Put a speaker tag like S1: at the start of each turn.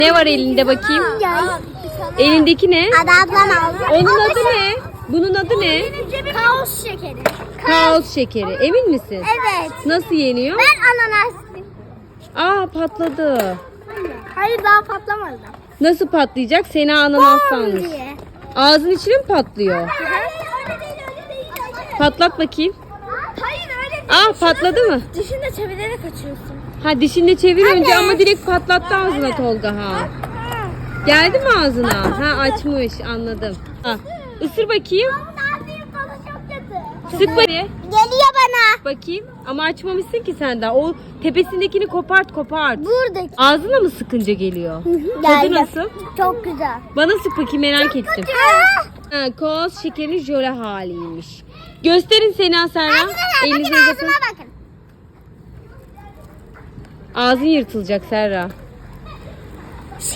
S1: Ne var elinde bakayım? Elindeki ne? Onun adı ne? Bunun adı ne?
S2: Kaos şekeri.
S1: Kaos şekeri. Emin misin?
S2: Evet.
S1: Nasıl yeniyor?
S2: Ben ananas.
S1: Aa, patladı.
S2: Hayır, daha patlamadı.
S1: Nasıl patlayacak? Seni ananas sanmış.
S2: diye.
S1: Ağzın içine mi patlıyor?
S2: Hayır, öyle değil.
S1: Patlat bakayım.
S2: Hayır, öyle değil.
S1: Aa, patladı mı?
S2: Dişinde çevirerek açıyorsun.
S1: Ha, dişinde çevir önce ama direkt patlattı ağzına Tolga ha. Geldi mi ağzına? Ha, açmış, anladım. Ha, ısır bakayım.
S2: Çok kötü.
S1: Sık bakayım.
S2: Geliyor bana.
S1: Bakayım. Ama açmamışsın ki sen daha. O tepesindekini kopart.
S2: Buradaki.
S1: Ağzına mı sıkınca geliyor? Tadı
S2: Geldi.
S1: nasıl?
S2: Çok güzel.
S1: Bana sık bakayım, merak ettim. Ha, koz şekerin jöle haliymiş. Gösterin Sena Serra. Elinizi uzatın.
S2: bakın.
S1: Ağzın yırtılacak Serra.